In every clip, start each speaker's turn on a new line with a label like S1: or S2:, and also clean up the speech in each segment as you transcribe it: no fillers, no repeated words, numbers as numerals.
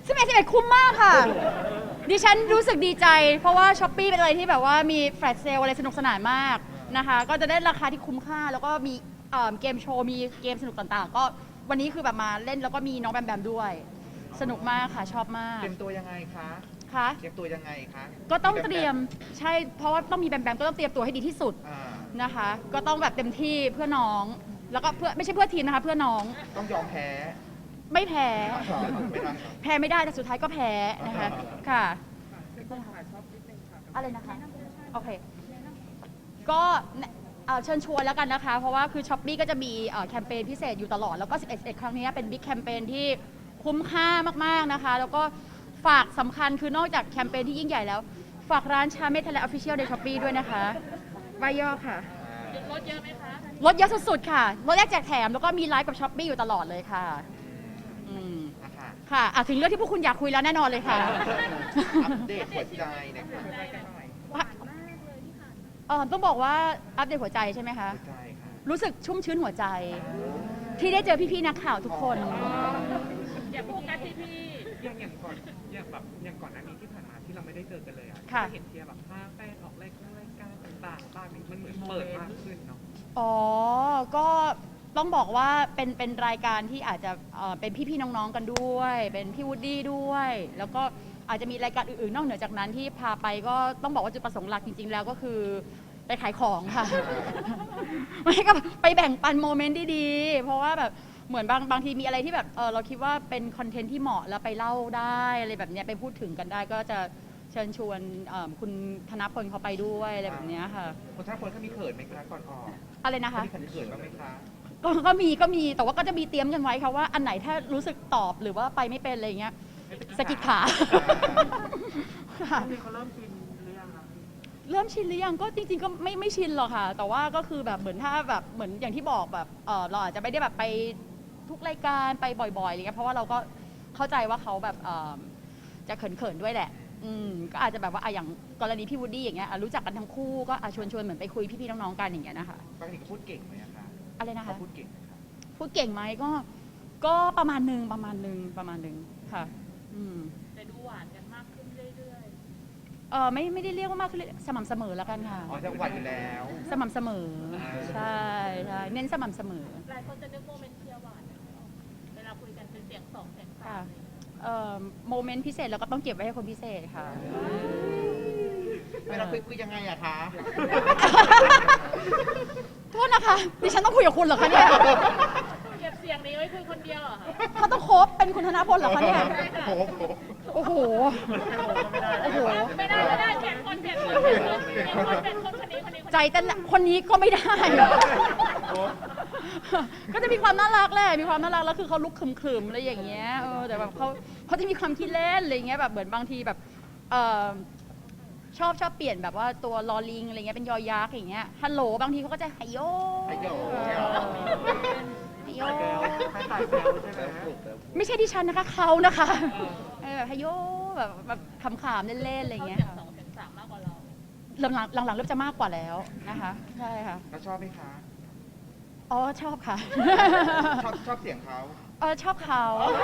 S1: 11คุ้มมากค่ะดิฉันรู้สึกดีใจ เพราะว่าช้อปปี้เป็นอะไรที่แบบว่ามีแฟลชเซลอะไรสนุกสนานมากนะคะก็จะได้ราคาที่คุ้มค่าแล้วก็มีเกมโชว์มีเกมสนุกต่างๆก็วันนี้คือแบบมาเล่นแล้วก็มีน้องแบมแบมด้วยสนุกมากค่ะชอบมาก
S2: เตรียมตัวยังไงคะ
S1: ค่ะ
S2: เตรียมตัวยังไงคะ
S1: ก็ต้องเตรียมใช่เพราะว่าต้องมีแบมแบมก็ต้องเตรียมตัวให้ดีที่สุดนะคะก็ต้องแบบเต็มที่เพื่อน้องแล้วก็เพื่อไม่ใช่เพื่อทีมนะคะเพื่อน้อง
S2: ต้องยอมแพ้
S1: ไม่แพ้
S2: ไม่ได้
S1: แพ้ไม่ได้แต่สุดท้ายก็แพ้นะคะค่ะอะไรนะคะโอเคก็เชิญชวนแล้วกันนะคะเพราะว่าคือช้อปปี้ก็จะมีแคมเปญพิเศษอยู่ตลอดแล้วก็11ครั้งนี้เป็นบิ๊กแคมเปญที่คุ้มค่ามากๆนะคะแล้วก็ฝากสำคัญคือนอกจากแคมเปญที่ยิ่งใหญ่แล้วฝากร้านชาเมทและออฟฟิเชียลในช้อปปี้ด้วยนะคะใบย่อค่ะ
S3: ลดเยอะไหมคะ
S1: ลดเยอะสุดๆค่ะลดแยกแจกแถมแล้วก็มีไลฟ์กับช้อปปี้อยู่ตลอดเลยค่ะค่ะถึงเรื่องที่พวกคุณอยากคุยแล้วแน่นอนเลยค่ะ
S2: อัปเดตหัวใจนะคะ
S1: ต้องบอกว่าอัปเดตหัวใจใช่ไหมคะ
S2: หัวใจค่ะ
S1: รู้สึกชุ่มชื้นหัวใจที่ได้เจอพี่ๆนักข่าวทุกคน
S3: อย่าโฟกัสที่พี่
S4: อย่างก่อนอย่างก่อนหน้านี้ที่ผ่านมาที่เราไม่ได้เจอกันเลยอ่ะจะเห็นเทียแบบภาพแป้งออกรายการต่างๆบ้างมันเหมือนเปิดมากขึ้นเนาะ
S1: อ๋อก็ต้องบอกว่าเป็นรายการที่อาจจะเป็นพี่ๆน้องๆกันด้วยเป็นพี่วูดดี้ด้วยแล้วก็อาจจะมีรายการอื่นๆนอกเหนือจากนั้นที่พาไปก็ต้องบอกว่าจุดประสงค์หลักจริงๆแล้วก็คือไปขายของค่ะไม่ก็ไปแบ่งปันโมเมนต์ดีๆเพราะว่าแบบเหมือนบางทีมีอะไรที่แบบเราคิดว่าเป็นคอนเทนต์ที่เหมาะแล้วไปเล่าได้อะไรแบบนี้ไปพูดถึงกันได้ก็จะเชิญชวนคุณธนพลเขาไปด้วยอะไรแบบนี้ค่ะ
S2: คุณธนพลเขามีเขินไหมคะก่อนออก
S1: อะไรนะคะ
S2: มีเขินบ้างไหมคะ
S1: ก็มีแต่ว่าก็จะมีเตรียมกันไว้ค่ะว่าอันไหนถ้ารู้สึกตอบหรือว่าไปไม่เป็นอะไรอย่างเงี้ยสกิดขา
S4: เขาเริ่มชินหรือยังคะ
S1: เริ่มชินหรือยังก็จริงๆก็ไม่ชินหรอกค่ะแต่ว่าก็คือแบบเหมือนถ้าแบบเหมือนอย่างที่บอกแบบเราอาจจะไม่ได้แบบไปทุกรายการไปบ่อยๆอะไรเงี้ยเพราะว่าเราก็เข้าใจว่าเขาแบบจะเขินๆด้วยแหละก็อาจจะแบบว่าอย่างกรณีพี่วูดดี้อย่างเงี้ยรู้จักกันทั้งคู่ก็ชวนเหมือนไปคุยพี่ๆน้องๆกันอย่างเงี้ยนะคะ
S2: บางทีก็พูดเก่งไหมคะ
S1: อะไรนะคะ
S2: พูดเก่งไหมคะ
S1: พูดเก่งไหมก็ประมาณนึงค่ะ
S3: แต่ดูหวานกันมากขึ้นเรื่อย
S1: ไม่ได้เรียกว่ามากขึ้นสม่ำเสมอแล้วกันค่ะ
S2: อ๋อจะหวานอยู่แล้ว
S1: สม่ำเสมอใช่เน้นสม่ำเสมอ
S3: หลายคนจะนึกโมเมนต์เชียร์หวานเวลาคุยกันเป็นเสียงสองเสียงสาม
S1: โมเมนต์พิเศษเราก็ต้องเก็บไว้ให้คนพิเศษค่ะ
S2: เวลาคุยยังไงอะคะ
S1: โทษนะคะดิฉันต้องคุยกับคุณเหรอคะเนี่ย
S3: เก็บเสียงนี้ไว้คุยคนเดียวเหรอคะ
S1: เขาต้องโคบเป็นคุณธนพลเหรอคะเนี่ยโอ้โห
S3: ไม่ได้เปลี่ยนคนคนนี้
S1: ใจแต่คนนี้ก็ไม่ได้ก็จะมีความน่ารักแหละมีความน่ารักแล้วคือเขาลุกขึมๆอะไรอย่างเงี้ยแต่แบบเขาจะมีความขี้เล่นอะไรเงี้ยแบบเหมือนบางทีแบบชอบเปลี่ยนแบบว่าตัวลอลิงอะไรเงี้ยเป็นยอยักษ์อย่างเงี้ยฮัลโหลบางทีเขาก็จะไฮโยไม่ใช่ดิฉันนะคะเขานะคะแบบไฮโยแบบขำๆเล่นๆอะไรเงี้ย
S3: สองเสียงสามมากกว่าเรา
S1: หลังๆเริ่มจะมากกว่าแล้วนะคะใช่ค่ะ
S2: แล้วชอบไหมคะ
S1: อ๋อชอบค่ะ
S2: ชอบเสียงเขา
S1: ชอบเขา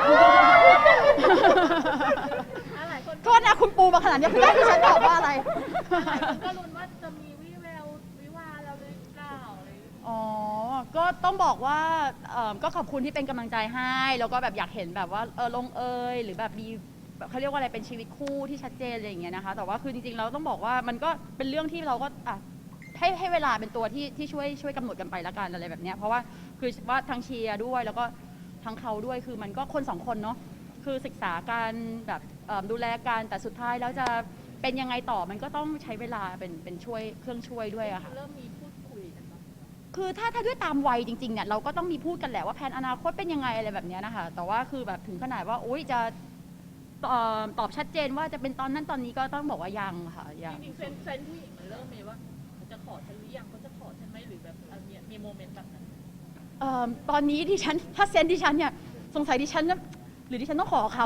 S1: โทษนะคุณปูมาขนาดนี้คุณได้ที่ฉันตอบว่าอะไร
S3: ก็ลุ้นว่าจะมีวิแวววิวาเราหรือเปล่า
S1: อ๋อก็ต้องบอกว่าก็ขอบคุณที่เป็นกำลังใจให้แล้วก็แบบอยากเห็นแบบว่าลงหรือแบบมีเขาเรียกว่าอะไรเป็นชีวิตคู่ที่ชัดเจนอะไรอย่างเงี้ยนะคะแต่ว่าคือจริงๆเราต้องบอกว่ามันก็เป็นเรื่องที่เราก็ให้เวลาเป็นตัวที่ช่วยกำหนดกันไปละกันอะไรแบบเนี้ยเพราะว่าคือว่าทั้งเชียร์ด้วยแล้วก็ทั้งเขาด้วยคือมันก็คนสองคนเนาะคือศึกษาการแบบดูแลกันแต่สุดท้ายแล้วจะเป็นยังไงต่อมันก็ต้องใช้เวลาเป็นช่วยเครื่องช่วยด้วยอะค่ะ
S3: เริ่มมีพูดคุยกัน
S1: คือถ้าด้วยตามวัยจริงๆเนี่ยเราก็ต้องมีพูดกันแหละว่าแผนอนาคตเป็นยังไงอะไรแบบนี้นะคะแต่ว่าคือแบบถึงขนาดว่าอุ๊ยจะตอบชัดเจนว่าจะเป็นตอนนั้นตอนนี้ก็ต้องบอกว่ายังค่ะยัง
S3: จริงๆเซนผู้หญิงมันเริ่มมีว่าจะขอฉันหรือยังเขาจะขอฉันไหมหรือแบบมีโมเมนต์แบบนั้น
S1: ตอนนี้ดิฉันถ้าเซนดิฉันเนี่ยสงสัยดิฉันหรือดิฉันต้องขอเขา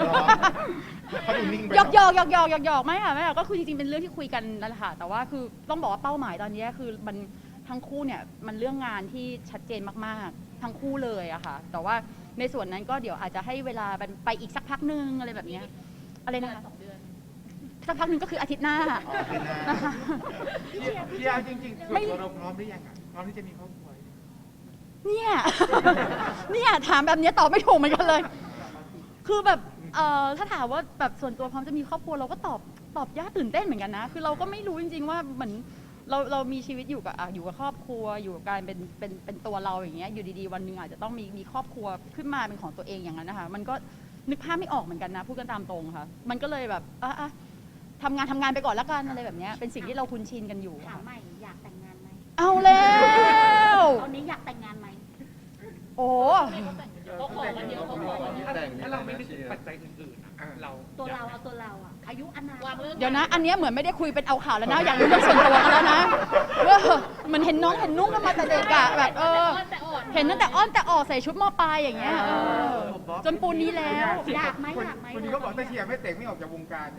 S1: หยอกไม่ค่ะก็คือจริงๆเป็นเรื่องที่คุยกันนั่นแหละค่ะแต่ว่าคือต้องบอกว่าเป้าหมายตอนนี้คือมันทั้งคู่เนี่ยมันเรื่องงานที่ชัดเจนมากๆทั้งคู่เลยอะค่ะแต่ว่าในส่วนนั้นก็เดี๋ยวอาจจะให้เวลามันไปอีกสักพักนึงอะไรแบบเนี้ยอะไรนะคะ
S3: 2 เดือน
S1: สักพักนึงก็คืออาทิตย์หน้า
S2: อ๋อเป็นหน้า
S1: นะคะ
S5: พี่อาจริงๆส่วนตัวเราพร้อมหรือยังอ่ะพร้อมที่จะมีครอบครัว
S1: เนี่ย เนี่ยถามแบบเนี้ยตอบไม่ถูกเหมือนกันเลย คือแบบถ้าถามว่าแบบส่วนตัวพร้อมจะมีครอบครัวเราก็ตอบยากตื่นเต้นเหมือนกันนะ คือเราก็ไม่รู้จริงๆว่าเหมือนเรามีชีวิตอยู่กับครอบครัวอยู่กับการเป็นตัวเราอย่างเงี้ยอยู่ดีๆวันหนึ่งอาจจะต้องมีครอบครัวขึ้นมาเป็นของตัวเองอย่างนั้นนะคะมันก็นึกภาพไม่ออกเหมือนกันนะพูดกันตามตรงค่ะมันก็เลยแบบทำงานไปก่อนละกันอะไรแบบเนี้ยเป็นสิ่งที่เราคุ้นชินกันอยู่
S6: ถาม
S1: ค่ะ
S6: ใหม่อยากแต่งงานไหม
S1: เอาแล้ว
S6: ตอนนี้อยากแต่งงานไหม
S1: โอ้
S3: เขาขอวันเดียวเขาขอวันเดียว
S4: ถ้าเราไม่นึกถึงปัจจัยอื่นๆอะเรา
S6: ตัวเราเอาตัวเราอะอายุอานาม
S3: วางเรื่อง
S1: เดี๋ยวนะ อันเนี้ยเหมือนไม่ได้คุยเป็นเอาข่าวแล้วนะ อยากรู้เรื่องส่วนตัวกันแล้วนะเหมันเห็นน้องเห็นนุ่งกันมาแต่เด็กอะแบบ
S3: แต่อ่อน
S1: เห็นตั้งแต่อ้อนแต่ออกใส่ชุดมอปลายอย่างเงี้ยจนปูนนี้แล้ว
S6: อยากไหมอยากไหม
S5: คนนี้ก็บอกถ้าเชียร์ไม่แต่งไม่ออกจากวงการ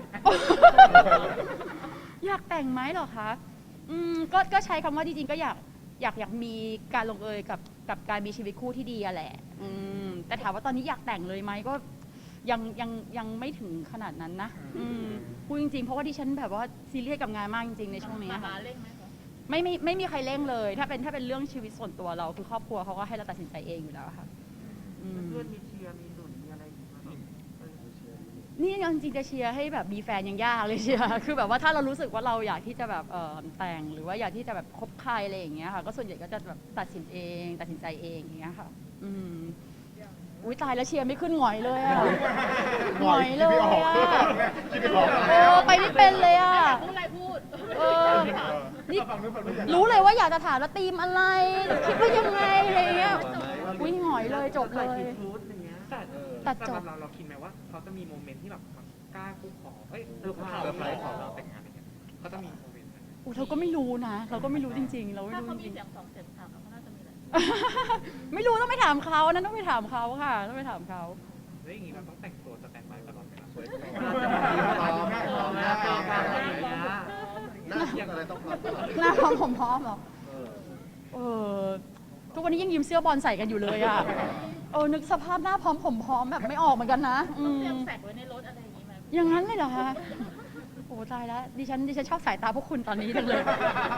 S1: อยากแต่งไหมเหรอคะก็ใช้คำว่าจริงๆก็อยากมีการลงเอยกับการมีชีวิตคู่ที่ดีอะแหละแต่ถามว่าตอนนี้อยากแต่งเลยไหมก็ยังไม่ถึงขนาดนั้นนะพูดจริงๆเพราะว่าดิฉันแบบว่าซีเรียสกับงานมากจริงๆในช่วงนี้
S3: มา
S1: ค่ะ
S3: เร่งไหมคะ
S1: ไม่มีใครเร่งเลย ถ้าเป็นเรื่องชีวิตส่วนตัวเราคือครอบครัวเขาก็ให้เราตัดสินใจเองอยู่แล้วค่ะ
S5: เพื่อนมีเชียร์มีหนุนมีอะไรอย่างเงี้ย
S1: นี่จริงๆจะเชียร์ให้แบบมีแฟนยังยากเลยเชียร์ คือแบบว่าถ้าเรารู้สึกว่าเราอยากที่จะแบบแต่งหรือว่าอยากที่จะแบบคบใครอะไรอย่างเงี้ยค่ะก็ส่วนใหญ่ก็จะแบบตัดสินใจเองอย่างเงี้ยค่ะอุ้ยตายแล้วเชียร์ไม่ขึ้นหงอยเลยอะหงอยเลยอะไปไม่เป็นเลยอะ
S3: พูดอะไรพูด
S1: นี่รู้เลยว่าอยากจะถามว่าธีมอะไรคิดว่ายังไงอะไรเงี้ยอุ้ยหงอยเลยจบเลย
S4: แต่
S1: ตัดจบ
S4: สำหรับเราคิดไหมว่าเขาจะมีโมเมนต์ที่แบบกล้าคุกขอเซอร์ไพรส์ขอเราแต่งงานอะไรเงี้ยเขาจะมีโมเมนต์นั้นไหม
S1: เราก็ไม่รู้นะ เราก็ไม่รู้จริงๆ เราไม่
S3: ถ้า
S1: รู้
S3: เขา
S1: จ
S3: มี
S1: ริง
S3: เสียง2 เสียง 3เขาน่าจะมีแหละ
S1: ๆ ไม่รู้ต้องไปถามเขานั้นต้องไปถามเขาค่ะต้องไปถามเขา
S4: แล้วอย่างนี้เราต้องแต่งตัวสแตนด์บายตลอดเวลา
S2: หน้าที่อะไรต้องพร้อมตลอด
S1: หน้าพร้อมผมพร้อมเหรอทุกวันนี้ยังยืมเสื้อบอลใส่กันอยู่เลยอ่ะนึกสภาพหน้าพร้อมผมพร้อมแบบไม่ออกเหมือนกันนะ
S3: ต้องเตรียมแฝกไว้ในรถอะไรอย่างนี้ไหม
S1: อย่างนั้นเลยเหรอคะโอ้ตายแล้วดิฉันชอบสายตาพวกคุณตอนนี้จังเลย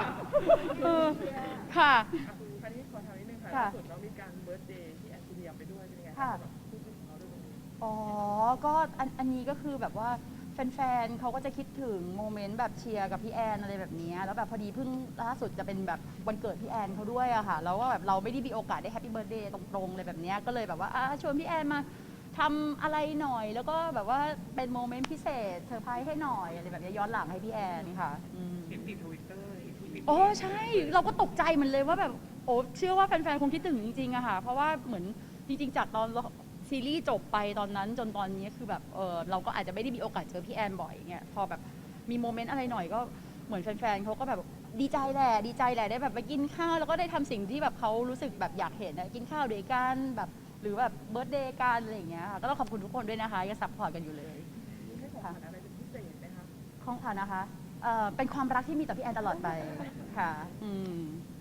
S1: ค่ะ
S7: อันนี้ขอถามนิดนึงค่ะ
S1: ค่ะ
S7: ล่าสุดเรามีการเบิร์ธเดย์ที่แอนโทเนียไปด้วยเป็นยังไง
S1: ค่ะ
S7: แบบพูดถึงเขาด้วยตรงนี้
S1: ก็อันนี้ก็คือแบบว่าแฟนๆเขาก็จะคิดถึงโมเมนต์แบบเชียร์กับพี่แอนอะไรแบบนี้แล้วแบบพอดีเพิ่งล่าสุดจะเป็นแบบวันเกิดพี่แอนเขาด้วยอะค่ะแล้วก็แบบเราไม่ได้มีโอกาสได้แฮปปี้เบิร์ธเดย์ตรงๆเลยแบบนี้ก็เลยแบบว่าชวนพี่แอนมาทำอะไรหน่อยแล้วก็แบบว่าเป็นโมเมนต์พิเศษเซอร์ไพรส์ให้หน่อยอะไรแบบนี้ย้อนหลังให้พี่แอนค่ะ
S4: เห็นติดทวิตเตอร์เห็นทวิต
S1: โอ้ใช่เราก็ตกใจเหมือนเลยว่าแบบเชื่อว่าแฟนๆคงคิดถึงจริงๆอะค่ะเพราะว่าเหมือนจริงๆจากตอนซีรีส์จบไปตอนนั้นจนตอนนี้คือแบบเราก็อาจจะไม่ได้มีโอกาสเจอพี่แอนบ่อยเงี้ยพอแบบมีโมเมนต์อะไรหน่อยก็เหมือนแฟนๆเขาก็แบบดีใจแหละได้แบบไปกินข้าวแล้วก็ได้ทำสิ่งที่แบบเขารู้สึกแบบอยากเห็นกินข้าวด้วยกันแบบหรือแบบเบิร์ธเดย์กันอะไรอย่างเงี้ยค่ะก็ต้องขอบคุณทุกคนด้วยนะคะยังซัพพอร์ตกันอยู่เลย
S7: มีให้ของขวัญอะไรเป็นพิเศษไหมคะ
S1: ของขวัญนะคะเป็นความรักที่มีต่อพี่แอนตลอดไปค่ะ